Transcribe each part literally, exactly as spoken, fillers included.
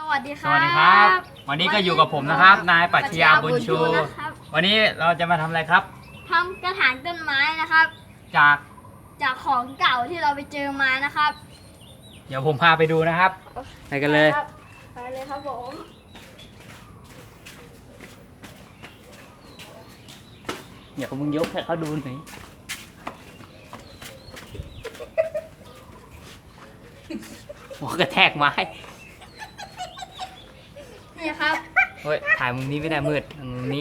วัสดีคสรับวัสดีครับ วันนี้ก็อยู่กับผมนะครับ นายปรัชญาบุญชูนะครับวันนี้เราจะมาทำอะไรครับทำกระถางต้นไม้นะครับจากจากของเก่าที่เราไปเจอมานะครับเดี๋ยวผมพาไปดูนะครับ ไปกันเลยครับไปเลยครับผมเดี๋ยวมึงยกให้เขาดูหน่อยหัวกระแทกไม้นี่ครับเฮ้ยถ่ายมุมนี้ไม่ได้มืดมุมนี้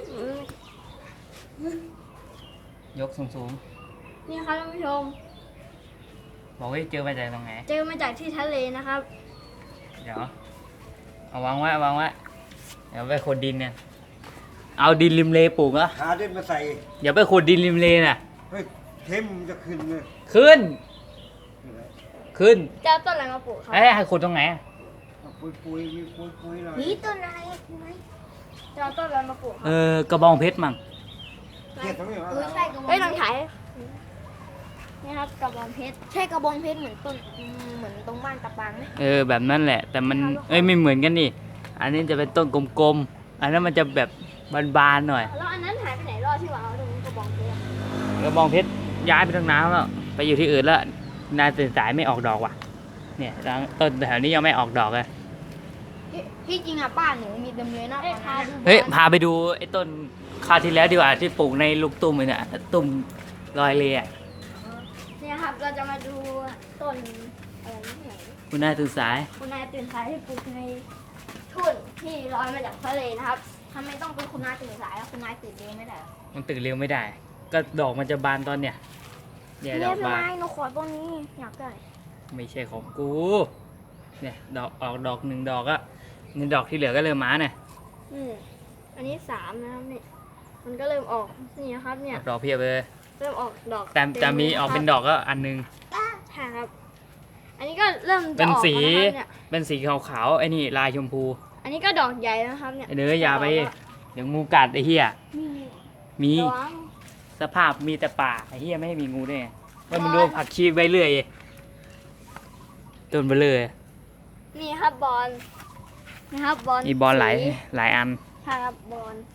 ยกสูงนี่ครับท่านผู้ชมๆบอกว่าเจอมาจากตรงไหนเจอมาจากที่ทะเลนะครับเดี๋ยวเอาวางไว้เอาวางไว้เดี๋ยวไปขุดดินเนี่ยเอาดินริมเลปลูกเหรอหาดินมาใส่เดี๋ยวไปขุดดินริมเลน่ะเฮ้ยเข้มจะขึ้นเลยขึ้น ขึ้นจะเอาต้นอะไรมาปลูกครับเอ้ยให้ขุดตรงไหนอะปุยปุยมีปุยปุยหน่อยนี่ต้นอะไรจะเอาต้นอะไรมาปลูกคเอรับอกระบองเพชรมั่งเทียบตรงนี้เหรอเออใช่กระบองเฮ้ยลองถ่ายนี่ครับกระบองเพชรใช่กระบองเพชรเหมือนต้นเหมือนตรงบ้านตะปังไหมเออแบบนั้นแหละ แต่มันเอ้ยไม่เหมือนกันนี่อันนี้จะเป็นต้นกลมๆอันนั้นมันจะแบบบานๆหน่อยแล้วอันนั้นหายไปไหนรอดที่วางเอาตรงนี้กระบองเพชรกระบองเพชรย้ายไปทางน้ำแล้วไปอยู่ที่อื่นแล้วนายตื่นสายไม่ออกดอกว่ะเนี่ยต้นแถวนี้ยังไม่ออกดอกเลยที่จริงอ่ะบ้านหนูมีเต็มเลยนะพาดูเฮ้ยพาไปดูไอ้ต้นคราวที่แล้วดีกว่าที่ปลูกในลูกตุ้มเลยเนี่ยตุ้มลอยเลยอ่ะเนี่ยครับเราจะมาดูต้นอะไรนี่ไหนคุณนายตื่นสายคุณนายตื่นสายที่ปลูกในทุ่นที่ลอยมาจากทะเลนะครับทำไมต้องเป็นคุณนายตื่นสายแล้วคุณนายตื่นเองไม่ได้มันตื่นเร็วไม่ได้ ก็ดอกมันจะบานตอนเนี้ยเนี่ยดอกบานหนูขอต้นนี้อยากได้ไม่ใช่ของกู เนี่ยดอกออกดอกหนึ่งดอกอะนี่ดอกที่เหลือก็เริ่มมาเนี่ยอืมอันนี้สามนะครับนี่มันก็เริ่มออกนี่นะครับเนี่ยออกดอกเพียบเลยเริ่มออกดอกแต่แต่มีออกเป็นดอกอกก็อันหนึงใช่ครับ อันนี้ก็เริ่มจะเป็นออกสีแล้วนะครับเนี่ยเป็นสีขาวๆไอ้นี่ลายชมพูอันนี้ก็ดอกใหญ่นะครับเนี่ยไอ้เนื้อยาไป เดี๋ยวงูกัดไอ้เหี้ยมีมีระวังสภาพมีแต่ป่าไอ้เหี้ยไม่ให้มีงูได้ไงแล้วมันดูผักชีใบเลื่อยต้นเบลเลยนี่ครับบอลนะครับบอลมีบอลหลายสีหลายอันใช่ครับบอล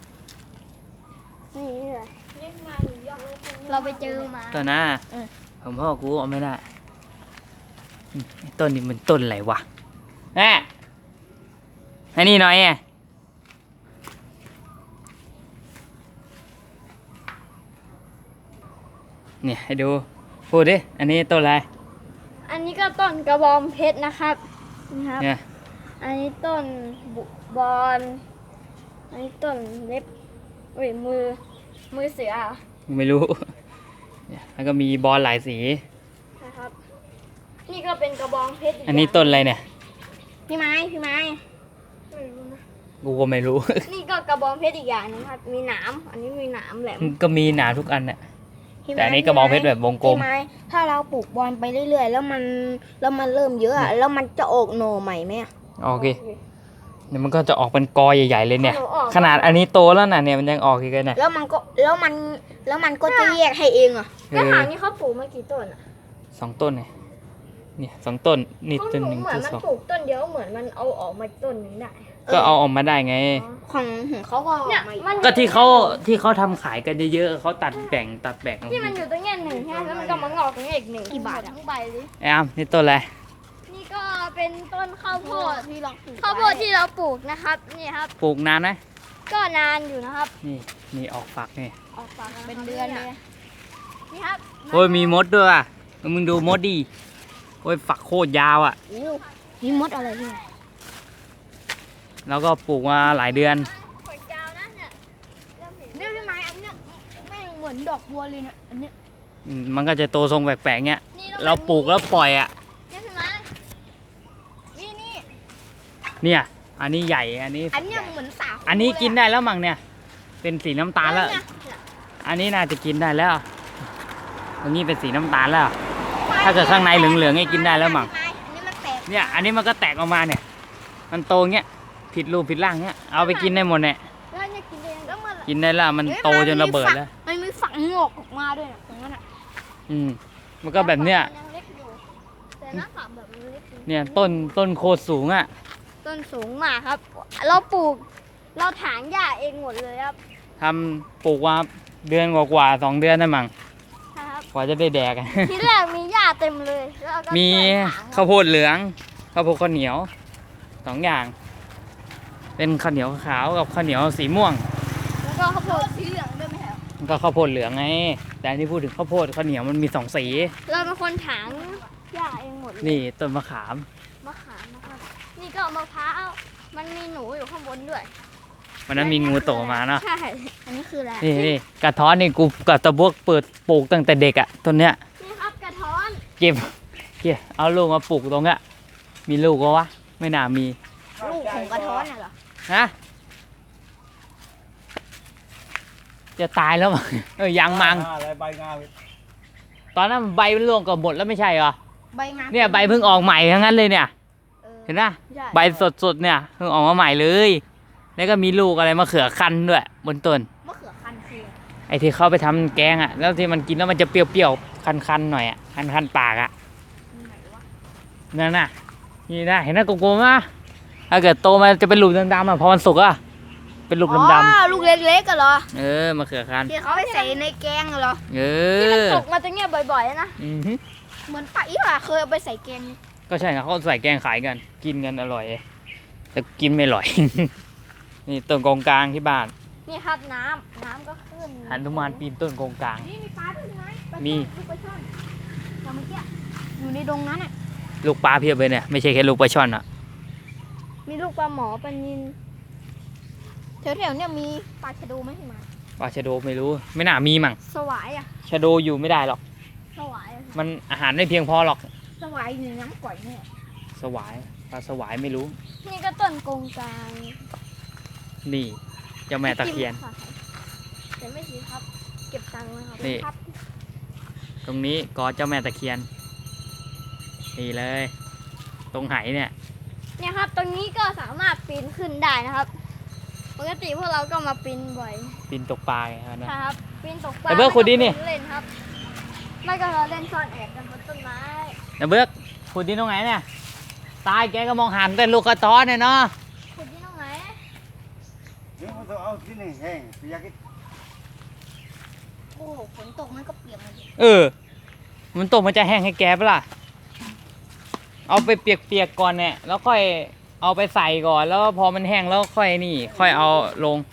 นี่เลยเราไปเจอมาต้นหน้าเออผมพ่อกูเอาไม่ได้อืมต้นนี้มันต้นอะไรวะแม่ให้นี่หน่อยไงเนี่ยให้ดูพูดดิอันนี้ต้นอะไรอันนี้ก็ต้นกระบองเพชรนะครับนะครับเนี่ยอันนี้ต้นบุบอลอันนี้ต้นเล็บเอ้ยมือมือเสือไม่รู้เนี่ยแล้วก็มีบอลหลายสีนะครับ นี่ก็เป็นกระบองเพชรกอันนี้ต้นอะไรเนี่ยพี่ไม้พี่ไม้ไม่รู้นะกูก็ไม่รู้นี่ก็กระบองเพชรอีกอย่างหนึงครับ มีหนามอันนี้มีหนามแหลมก็มีหนาทุกอันน่ะพี่ไม้แต่อันนี้กระบองเพชรแบบวงกลมพี่ไม้ถ้าเราปลูกบอลไปเรื่อยๆ แล้วมันแล้วมันเริ่มเยอะอะแล้วมันจะออกหน่อใหม่ไหมอะโอเคเดี๋ยวมันก็จะออกเป็นกอใหญ่ๆเลยเนี่ยหนูออกขนาดอันนี้โตแล้วนะเนี่ยมันยังออกอีกเลยเนี่ยแล้วมันก็แล้วมันแล้วมันก็จะแยกให้เองอะเอกระอถางนี่เขาปลูกมากี่ต้นอ่ะสองต้นเนี่ยเนี่ยสองต้นนี่เขาต้นปหลูนึ่กงเหมือต้นนมันสองปลูกต้นเดียวเหมือนมันเอาออกมาต้นหนึงได้ก็เอาออกมาได้ไงของของเขาก็ออกเนี่ยมาอีกมันก็ที่เขาที่เขาทำขายกันเยอะๆเขาตัดแบ่งตัดแบ่งที่มันอยู่ตรงเนี้ยหนึ่งใช่ไหมแล้วมันก็มางอกตรงนี้อีกหนึ่งกี่บาทหมดอะทั้งใบเลยไอ้อามนี่ต้นอะไรนี่ก็เป็นต้นข้าวโพดที่เราปลูกข้าวโพดที่เราปลูกนะครับนี่ครับปลูกนานไหมก็นานอยู่นะครับนี่นี่ออกฝักนี่ออกฝักเป็นเดือนเลยนี่ครับโอ้ยมีมดด้วยอ่ะมึงดูมดดิโอ้ยฝักโคตรยาวอ่ะอู้นี่มดอะไรที่ไหนแล้วก็ปลูกมาหลายเดือนขวดยาวนะเนี่ยเริ่มเห็นเนี่ยพี่ไม้อันเนี้ยแม่งเหมือนดอกบัวเลยเนี่ยอันเนี้ยอืมมันก็จะโตทรงแปลกๆเงี้ยนี่เราปลูกแล้วปล่อยอ่ะเนี่ยใช่ไหมนี่นี่เนี่ย อันนี้ใหญ่ อันนี้อันเนี้ยเหมือนสาคูอันนี้กินได้แล้วมั้งเนี่ย เป็นสีน้ำตาลแล้วเนี่ยอันนี้น่าจะกินได้แล้ว อันนี้เป็นสีน้ำตาลแล้ว ถ้าเกิดข้างในเหลืองๆให้กินได้แล้วมั้งพี่ไม้อันนี้มันแตกเนี่ย อันนี้มันก็แตกออกมาเนี่ย มันโตเงี้ย ผิดรูปผิดร่างเงี้ย เอาไปกินได้หมดเนี่ยแล้วเนี่ยกินเองแล้วมันกินได้แล้ว มันโตจนระเบิดแล้วมันมีฝักงอกออกมาด้วยนะตรงนั้นอะอืม มันก็แบบเนี้ยมันยังเล็กอยู่แต่หน้าฝักแบบมันเล็กอยู่เนี่ยต้นต้นโคตรสูงอ่ะต้นสูงมากครับ เราปลูก เราถางหญ้าเองหมดเลยครับทำปลูกว่าเดือนกว่าๆสองเดือนได้มั้งครับกว่าจะได้แดกทีแรกมีหญ้าเต็มเลยแล้วก็มีช่วยถางคข้ารับวโพดเหลืองข้าวโพดข้าวเหนียวสองอย่าง เป็นข้าวเหนียวขาวกับข้าวเหนียวสีม่วงแล้วก็ข้าวโพดสีเหลืองด้วยไหมครับมันก็ข้าวโพดเหลืองไง แต่อันที่พูดถึงข้าวโพดข้าวเหนียวมันมีสองสีเราเป็นคนถางหญ้าเองหมดเลยนี่ต้นมะขามมะขามนะครับ นี่ก็มะพร้าวมันมีหนูอยู่ข้างบนด้วยวันนั้นมีงูตกมาเนาะใช่ อันนี้คืออะไรนี่นี่กระท้อนนี่กูกับตะบวกเปิดปลูกตั้งแต่เด็กอะต้นเนี้ยนี่ครับกระท้อนเก็บเก็บเอาลูกมาปลูกตรงเนี้ยมีลูกก็วะไม่น่ามีลูกของกระท้อนน่ะเหรอฮะจะตายแล้วมั้ง เออยังมังอะไรใบงาตอนนั้นใบมันร่วงก็หมดแล้วไม่ใช่เหรอใบงาเนี่ยใบเพิ่งออกใหม่ทั้งนั้นเลยเนี่ยเออเห็นปะใช่ใบสดๆเนี่ยเพิ่งออกมาใหม่เลย แล้วก็มีลูกอะไรมะเขือคั้นด้วย บนต้นมะเขือคั้นคือไอ้ที่เข้าไปทำแกงอ่ะ แล้วที่มันกินแล้วมันจะเปรี้ยวๆ คันๆหน่อยอ่ะ คันๆปากอ่ะไหนวะนั่นน่ะ นี่นะเห็นหน้าโกลมๆมั้ยถ้าเกิดโตมาจะเป็นลูกดำๆอ่ะ พอมันสุกอ่ะ เป็นลูกอ๋ดำอลูกเล็กๆกันเหรอๆ เออมะเขือคั้นที่เขาไปใส่ในแกงเหรอเอที่มันอตกมาตรงเนี้ยบ่อยๆนะอือฮึเหมือนปะอีหว่าเคยเอาไปใส่แกงนี่ก็ใช่ครับเขาใส่แกงขายกัน กินกันอร่อย แต่กินไม่อร่อย นี่ต้นกงกลางที่บ้านนี่ครับน้ำน้ำก็ขึ้นหันุมานปีนต้นกงกลางนี่มีปลาด้วยใช่ไหมปลามีลูกปลาช่อนอย่างเมื่อกี้อยู่ในดงนั้นอ่ะลูกปลาเพียบเลยเนี่ย ไม่ใช่แค่ลูกปลาช่อนอ่ะมีลูกปลาหมอปลานิลแถวๆเนี่ยมีปลาชะโดไหมที่มาปลาชะโดไม่รู้ ไม่น่ามีมั้งสวายอะชะโดอยู่ไม่ได้หรอกสวายอะมันอาหารไม่เพียงพอหรอกสวายอยู่ในน้ำก่อยเนี่ยสวายปลาสวายไม่รู้นี่ก็ต้นกงกลางนี่เจ้าแม่ตะเคียนจิ้มขาแต่ไม่ซื้อครับ เก็บตังค์นะครับนี่ครับตรงนี้กอเจ้าแม่ตะเคียน นี่เลย ตรงไหเนี่ยเนี่ยครับ ตรงนี้ก็สามารถปีนขึ้นได้นะครับ ปกติพวกเราก็มาปีนบ่อยปีนตกปลาไงครับนะครับปีนตกปลาแต่เบิร์ดขุดดินี่เล่นครับ ไม่ก็เราเล่นซ่อนแอบกันบนต้นไม้นะเบิร์กขุดดินตรงไหนเนี่ย ตายแกก็มองหันแต่ลูกกระท้อนเนี่ยเนาะขุดที่ตรงไหนเดี๋ยวมันต้องเอาที่นี่แห้งไปยักษ์โอ้โหฝนตกมันก็เปียกหมดเลยเออ มันตกมันจะแห้งให้แกปะล่ะ เอาไปเปียกๆก่อนเนี่ย แล้วค่อยเอาไปใส่ก่อน แล้วพอมันแห้งแล้วค่อยนี่ ค่อยเอาลง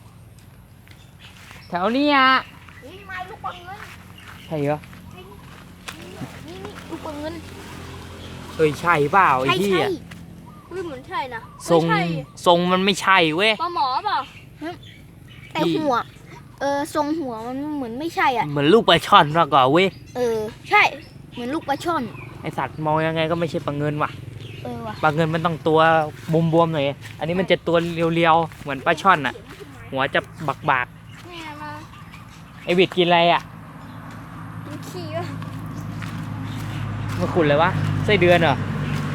แถวนี้อ่ะนี่มาลูกปลาเงินใช่เหรอนี่นี่ลูกปลาเงินเอ้ยใช่เปล่าไอ้ใช่ที่ใช่อ่ะอุ้ยเหมือนใช่นะทรงไม่ใช่ทรงมันไม่ใช่เว้ยปลาหมอเปล่าแต่หัว เออทรงหัวมันเหมือนไม่ใช่อ่ะเหมือนลูกปลาช่อนมากกว่าเว้ยเออ ใช่ เหมือนลูกปลาช่อนไอสัตว์มองยังไงก็ไม่ใช่ปลาเงินว่ะเออว่ะปลาเงินมันต้องตัวบวมๆหน่อย อันนี้มันจะตัวเรียวๆ เหมือนปลาช่อนอ่ะ หัวจะบักเนี่ยมาๆ ไอวิดกินอะไรอ่ะกินขี้วะมาขุดเลยวะ ไส้เดือนเหรอ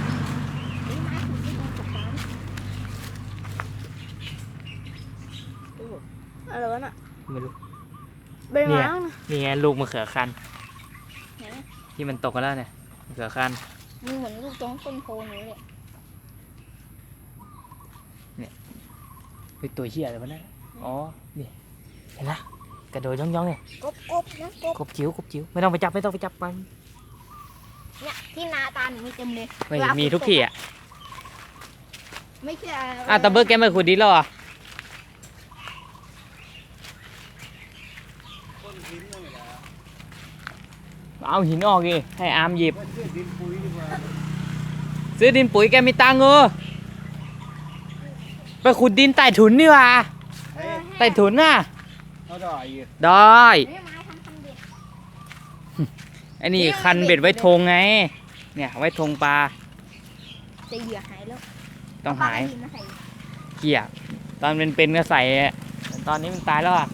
อะไรวะน่ะไม่รู้ใบไม้เนี่ยนะนี่ไงลูกมะเขือคันไหนที่มันตกกันแล้วเนี่ยมะเขือคันมันเหมือนลูกตรงต้นโพหนูเลยเฮ้ยตัวเหี้ยอะไรวะเนี่ยอ๋อ นี่ เห็นละกระโดดย่องๆเนี่ยกบกบนะกบกบจิ๋วกบจิ๋วไม่ต้องไปจับไม่ต้องไปจับมันเนี่ยที่นาตาหนูมีเต็มเลยไม่เวลามีฝนทุกที่อ่ะไม่ใช่อ่ะตะเบิร์กแกไม่ขุดดินแล้วเหรอ่ะต้นหินนั่นแหละเอาหินออกดิให้อาร์มหยิบว่าเชื่อดินปุ๋ยดีกว่าซื้อดินปุ๋ยแกมีตังค์เออไปขุดดินใต้ถุนนี่หว่าเฮ้ยใต้ถุนน่ะเขาได้อีกได้ไม่ไม้ทำทำเด็ดไอ้นี่คันเบ็ดไว้ทงไง เนี่ยไว้ทงปลาจะเหยื่อหายแล้วต้องหายปลกระดิ่งมาใส่เกี่ยตอนเป็นเป็นๆก็ใส่อะแต่ตอนนี้มันตายแล้วอ่ะ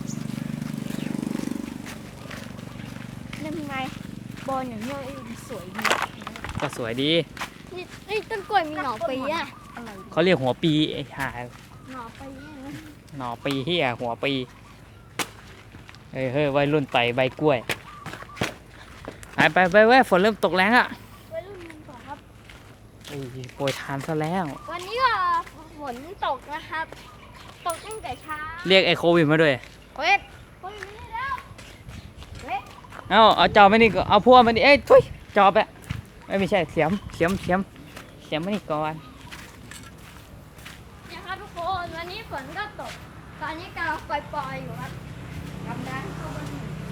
นั่นไงบอลอย่างเงี้ยสวยดีก็สวยดีนี่นี่ต้นกล้วยมีหน่อปีอะอะไรดีเขาเรียกหัวปีไอ้ห่าหน่อปีอะหน่อปีเฮียหัวปีเฮ้ยเฮ้ยวัยรุ่นไต่ใบกล้วยไปไปไปเว้ยฝนเริ่มตกแรงอ่ะวัยรุ่นมันก่อนครับโอ้ยโปรยทานซะแล้ววันนี้ก็ฝนตกนะครับ ตกตั้งแต่เช้าเรียกไอ้โควิดมาด้วยเฮ้ยเฮ้ยไม่ได้แล้วเฮ้ยเอาเอาจอบมานี่ก็เอาพวกมานี่เอ้ยทุยจอบอะเอ้ยไม่ใช่เสียมเสียมเสียมเสียมมานี่ก่อนนะครับทุกคนวันนี้ฝนก็ตก ตอนนี้กำลังปล่อยๆอยู่ครับกำลังเข้าบน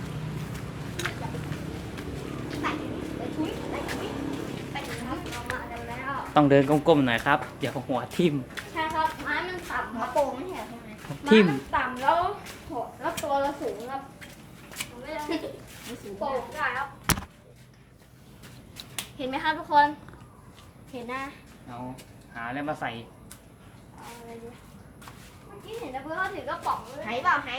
ไปไปทุยไปทุยไปทุยครับเรามากันแล้วต้องเดินก้มๆหน่อยครับเดี๋ยวหัวทิ่มใช่ครับไม้มันต่ำกคระรับโปรงไม่เห็นใช่ไหมทิ่มไมันต่ำแล้วโหแล้วตัวเราสูงครับผมไม่ได้โป่งได้ครับ เห็นไหมครับทุกคน เห็นนะเอาหาอะไรมาใส่เอาอะไรดีเมื่อกี้เห็นนะเพื่อนเขาถือกระป๋องเลยหายเปล่าหาย